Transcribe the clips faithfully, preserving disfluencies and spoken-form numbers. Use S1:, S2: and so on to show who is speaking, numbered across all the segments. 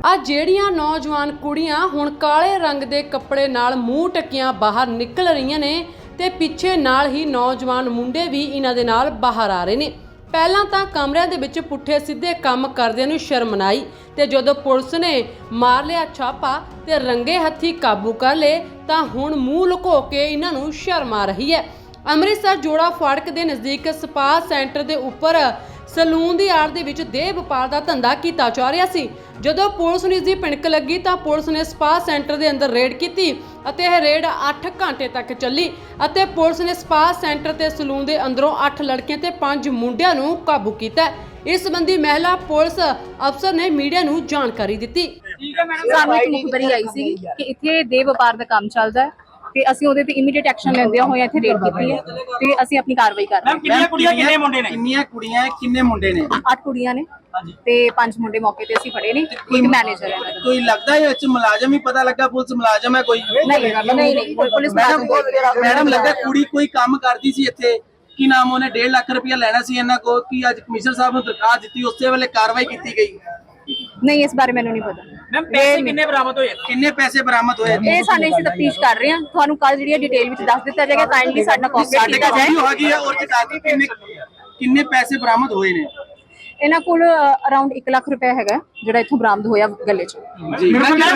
S1: ਆ ਜਿਹੜੀਆਂ ਨੌਜਵਾਨ ਕੁੜੀਆਂ ਹੁਣ ਕਾਲੇ रंग ਦੇ ਕੱਪੜੇ ਨਾਲ ਮੂੰਹ ਟੱਕੀਆਂ ਬਾਹਰ ਨਿਕਲ ਰਹੀਆਂ ਨੇ ਤੇ ਪਿੱਛੇ ਨਾਲ ਹੀ ਨੌਜਵਾਨ ਮੁੰਡੇ ਵੀ ਇਹਨਾਂ ਦੇ ਨਾਲ ਬਾਹਰ ਆ ਰਹੇ ਨੇ। ਪਹਿਲਾਂ ਤਾਂ ਕਮਰਿਆਂ ਦੇ ਵਿੱਚ ਪੁੱਠੇ ਸਿੱਧੇ ਕੰਮ ਕਰਦਿਆਂ ਨੂੰ ਸ਼ਰਮ ਨਾ ਆਈ ਤੇ ਜਦੋਂ ਪੁਲਿਸ ਨੇ ਮਾਰ ਲਿਆ ਛਾਪਾ ਤੇ ਰੰਗੇ ਹੱਥੀ ਕਾਬੂ ਕਰ ਲਏ ਤਾਂ ਹੁਣ ਮੂੰਹ ਲੁਕੋ ਕੇ ਇਹਨਾਂ ਨੂੰ ਸ਼ਰਮ ਆ ਰਹੀ ਹੈ। ਅੰਮ੍ਰਿਤਸਰ ਜੋੜਾ ਫਾਟਕ ਦੇ ਨਜ਼ਦੀਕ ਸਪਾ ਸੈਂਟਰ ਦੇ ਉੱਪਰ ਸਲੂਨ ਦੀ ਆੜ ਦੇ ਵਿੱਚ ਦੇਹ ਵਪਾਰ ਦਾ ਧੰਦਾ ਕੀਤਾ ਜਾ ਰਿਹਾ ਸੀ। ਜਦੋਂ ਪੁਲਿਸ ਨੂੰ ਇਸ ਦੀ ਭਿਣਕ ਲੱਗੀ ਤਾਂ ਪੁਲਿਸ ਨੇ ਸਪਾ ਸੈਂਟਰ ਦੇ ਅੰਦਰ ਰੇਡ ਕੀਤੀ ਅਤੇ ਇਹ ਰੇਡ ਅੱਠ ਘੰਟੇ ਤੱਕ ਚੱਲੀ ਅਤੇ ਪੁਲਿਸ ਨੇ ਸਪਾ ਸੈਂਟਰ ਤੇ ਸਲੂਨ ਦੇ ਅੰਦਰੋਂ ਅੱਠ ਲੜਕੀਆਂ ਤੇ ਪੰਜ ਮੁੰਡਿਆਂ ਨੂੰ ਕਾਬੂ ਕੀਤਾ। ਇਸ ਸੰਬੰਧੀ ਮਹਿਲਾ ਪੁਲਿਸ ਅਫਸਰ ਨੇ ਮੀਡੀਆ ਨੂੰ ਜਾਣਕਾਰੀ ਦਿੱਤੀ।
S2: ਸਾਨੂੰ ਇੱਕ ਮੁਖਬਰੀ ਆਈ ਸੀ ਕਿ ਇੱਥੇ ਦੇਹ ਵਪਾਰ ਦਾ ਕੰਮ ਚੱਲਦਾ ਹੈ ਤੇ ਅਸੀਂ ਉਹਦੇ ਤੇ ਇਮੀਡੀਏਟ ਐਕਸ਼ਨ ਲੈਂਦਿਆਂ ਹੋਇਆ ਇੱਥੇ ਰੇਡ ਕੀਤੀ ਹੈ ਤੇ ਅਸੀਂ ਆਪਣੀ ਕਾਰਵਾਈ ਕਰ ਰਹੇ ਹਾਂ।
S3: ਕਿੰਨੀਆਂ ਕੁੜੀਆਂ ਕਿੰਨੇ ਮੁੰਡੇ ਨੇ? ਕਿੰਨੀਆਂ ਕੁੜੀਆਂ ਕਿੰਨੇ ਮੁੰਡੇ ਨੇ?
S2: ਅੱਠ ਕੁੜੀਆਂ ਨੇ ਤੇ ਪੰਜ ਮੁੰਡੇ ਮੌਕੇ ਤੇ ਅਸੀਂ ਫੜੇ ਨੇ। ਇੱਕ ਮੈਨੇਜਰ ਹੈ।
S3: ਕੋਈ ਲੱਗਦਾ ਹੈ ਵਿੱਚ ਮੁਲਾਜ਼ਮ ਹੀ ਪਤਾ ਲੱਗਾ ਪੁਲਿਸ ਮੁਲਾਜ਼ਮ ਹੈ ਕੋਈ?
S2: ਨਹੀਂ ਨਹੀਂ ਨਹੀਂ ਪੁਲਿਸ
S3: ਮੈਡਮ ਲੱਗਾ ਕੁੜੀ ਕੋਈ ਕੰਮ ਕਰਦੀ ਸੀ ਇੱਥੇ ਕੀ ਨਾਮ ਉਹਨੇ ਡੇਢ ਲੱਖ ਰੁਪਇਆ ਲੈਣਾ ਸੀ ਇਹਨਾਂ ਕੋਲ ਕੀ ਅੱਜ ਕਮਿਸ਼ਨਰ ਸਾਹਿਬ ਨੂੰ ਦਰਖਾਸਤ ਦਿੱਤੀ ਉਸੇ ਵੇਲੇ ਕਾਰਵਾਈ ਕੀਤੀ ਗਈ?
S2: ਨਹੀਂ ਇਸ ਬਾਰੇ ਮੈਨੂੰ ਨਹੀਂ ਪਤਾ।
S3: ਮੈਮ ਪੈਸੇ ਕਿੰਨੇ ਬਰਾਮਦ ਹੋਏ? ਕਿੰਨੇ ਪੈਸੇ ਬਰਾਮਦ ਹੋਏ?
S2: ਇਹ ਸਾਡੇ ਅਸੀਂ ਤਫਤੀਸ਼ ਕਰ ਰਹੇ ਹਾਂ। ਤੁਹਾਨੂੰ ਕੱਲ ਜਿਹੜੀ ਡਿਟੇਲ ਵਿੱਚ ਦੱਸ ਦਿੱਤਾ ਜਾਏਗਾ। ਕਾਈਂਡਲੀ ਸਾਡਾ ਕੋਆਪਰੇਟ ਕੀਤਾ ਜਾਏ।
S3: ਹੈਗੀ ਹੈ ਔਰ ਚਕਾਤੀ ਕਿੰਨੇ ਕਿੰਨੇ ਪੈਸੇ ਬਰਾਮਦ ਹੋਏ ਨੇ?
S2: ਇਹਨਾਂ ਕੋਲ ਅਰਾਊਂਡ ਇੱਕ ਲੱਖ ਰੁਪਏ ਹੈਗਾ ਜਿਹੜਾ ਇੱਥੋਂ ਬਰਾਮਦ ਹੋਇਆ ਗੱਲੇ 'ਚ।
S3: ਜੀ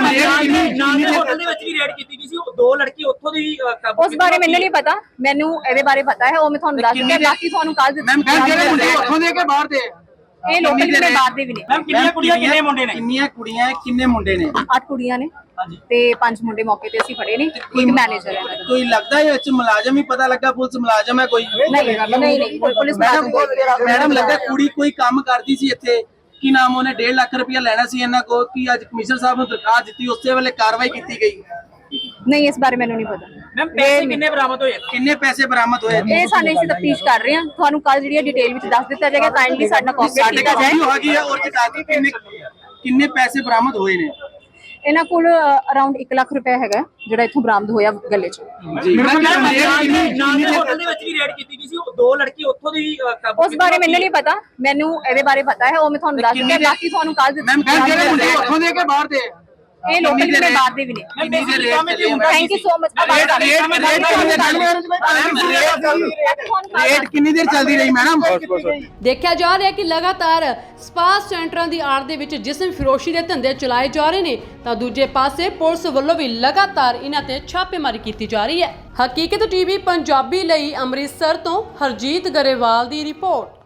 S3: ਹੋਟਲ ਦੇ ਵਿੱਚ ਵੀ ਰੇਡ ਕੀਤੀ ਗਈ ਸੀ ਦੋ ਲੜਕੀ ਉੱਥੋਂ ਦੀ ਕਾਬੂ।
S2: ਉਸ ਬਾਰੇ ਮੈਨੂੰ ਨਹੀਂ ਪਤਾ। ਮੈਨੂੰ ਇਹਦੇ ਬਾਰੇ ਪਤਾ ਹੈ ਉਹ ਮੈਂ ਤੁਹਾਨੂੰ ਦੱਸ ਦਿੱਤਾ। ਬਾਕੀ ਤੁਹਾਨੂੰ ਕੱਲ
S3: ਮੈਮ ਜਿਹੜੇ ਮੁੰਡੇ ਉੱਥੋਂ ਦੇ ਕੇ ਬਾਹਰ ਦੇ
S2: ਇਹ ਲੋਕਲ ਜਿਹੜੇ ਬਾਹਰ ਦੇ ਵੀ ਨੇ।
S3: ਮੈਮ ਕਿੰਨੀਆਂ ਕੁੜੀਆਂ ਕਿੰਨੇ ਮੁੰਡੇ ਨੇ? ਕਿੰਨੀਆਂ ਕੁੜੀਆਂ ਕਿੰਨੇ ਮੁੰਡੇ ਨੇ?
S2: ਅੱਠ ਕੁੜੀਆਂ ਨੇ ਤੇ ਪੰਜ ਮੁੰਡੇ ਮੌਕੇ ਤੇ ਅਸੀਂ ਫੜੇ ਨੇ। ਇੱਕ ਮੈਨੇਜਰ ਹੈ।
S3: ਕੋਈ ਲੱਗਦਾ ਹੈ ਵਿੱਚ ਮੁਲਾਜ਼ਮ ਹੀ ਪਤਾ ਲੱਗਾ ਪੁਲਿਸ ਮੁਲਾਜ਼ਮ ਹੈ ਕੋਈ?
S2: ਨਹੀਂ ਨਹੀਂ ਨਹੀਂ ਪੁਲਿਸ
S3: ਮੈਡਮ ਲੱਗਾ ਕੁੜੀ ਕੋਈ ਕੰਮ ਕਰਦੀ ਸੀ ਇੱਥੇ ਕੀ ਨਾਮ ਉਹਨੇ ਡੇਢ ਲੱਖ ਰੁਪਇਆ ਲੈਣਾ ਸੀ ਇਹਨਾਂ ਕੋਲ ਕੀ ਅੱਜ ਕਮਿਸ਼ਨਰ ਸਾਹਿਬ ਨੂੰ ਦਰਖਾਸਤ ਦਿੱਤੀ ਉਸੇ ਵੇਲੇ ਕਾਰਵਾਈ ਕੀਤੀ ਗਈ?
S2: ਨਹੀਂ ਇਸ ਬਾਰੇ ਮੈਨੂੰ ਨਹੀਂ ਪਤਾ।
S3: ਮੈਮ ਪੈਸੇ ਕਿੰਨੇ ਬਰਾਮਦ ਹੋਏ? ਕਿੰਨੇ ਪੈਸੇ ਬਰਾਮਦ ਹੋਏ?
S2: ਇਹ ਸਾਡੇ ਅਸੀਂ ਤਫਤੀਸ਼ ਕਰ ਰਹੇ ਹਾਂ। ਤੁਹਾਨੂੰ ਕੱਲ ਜਿਹੜੀ ਡਿਟੇਲ ਵਿੱਚ ਦੱਸ ਦਿੱਤਾ ਜਾਏਗਾ। ਕਾਈਂਡਲੀ ਸਾਡਾ ਕੋਆਪਰੇਟ ਕੀਤਾ ਜਾਏ।
S3: ਹੈਗੀ ਹੈ ਔਰ ਚਕਾਤੀ ਕਿੰਨੇ ਕਿੰਨੇ ਪੈਸੇ ਬਰਾਮਦ ਹੋਏ ਨੇ?
S2: ਇਹਨਾਂ ਕੋਲ ਅਰਾਊਂਡ ਇੱਕ ਲੱਖ ਰੁਪਏ ਹੈਗਾ ਜਿਹੜਾ ਇੱਥੋਂ ਬਰਾਮਦ ਹੋਇਆ ਗੱਲੇ 'ਚ।
S3: ਜੀ ਹੋਟਲ ਦੇ ਵਿੱਚ ਵੀ ਰੇਡ ਕੀਤੀ ਗਈ ਸੀ ਦੋ ਲੜਕੀ ਉੱਥੋਂ ਦੀ ਕਾਬੂ।
S2: ਉਸ ਬਾਰੇ ਮੈਨੂੰ ਨਹੀਂ ਪਤਾ। ਮੈਨੂੰ ਇਹਦੇ ਬਾਰੇ ਪਤਾ ਹੈ ਉਹ ਮੈਂ ਤੁਹਾਨੂੰ ਦੱਸ ਦਿੱਤਾ। ਬਾਕੀ ਤੁਹਾਨੂੰ ਕੱਲ
S3: ਮੈਮ ਜਿਹੜੇ ਮੁੰਡੇ ਉੱਥੋਂ ਦੇ ਕੇ ਬਾਹਰ ਦੇ
S2: ਇਹ ਲੋਕਲ ਜਿਹੜੇ ਬਾਹਰ ਦੇ ਵੀ ਨੇ। Thank you so much.
S3: Rate ਕਿੰਨੀ ਦੇਰ ਚੱਲਦੀ ਰਹੀ ਮੈਡਮ?
S1: ਦੇਖਿਆ ਜਾ ਰਿਹਾ ਕਿ ਲਗਾਤਾਰ ਸਪਾ ਸੈਂਟਰਾਂ ਦੀ ਆੜ ਦੇ ਵਿੱਚ ਜਿਸਮ ਫਿਰੋਸ਼ੀ ਦੇ ਧੰਦੇ ਚਲਾਏ ਜਾ ਰਹੇ ਨੇ ਤਾਂ ਦੂਜੇ ਪਾਸੇ ਪੁਲਿਸ ਵੱਲੋਂ ਵੀ ਲਗਾਤਾਰ ਇਹਨਾਂ ਤੇ ਛਾਪੇਮਾਰੀ ਕੀਤੀ ਜਾ ਰਹੀ ਹੈ। ਹਕੀਕਤ ਟੀਵੀ ਪੰਜਾਬੀ ਲਈ ਅੰਮ੍ਰਿਤਸਰ ਤੋਂ ਹਰਜੀਤ ਗਰੇਵਾਲ ਦੀ ਰਿਪੋਰਟ।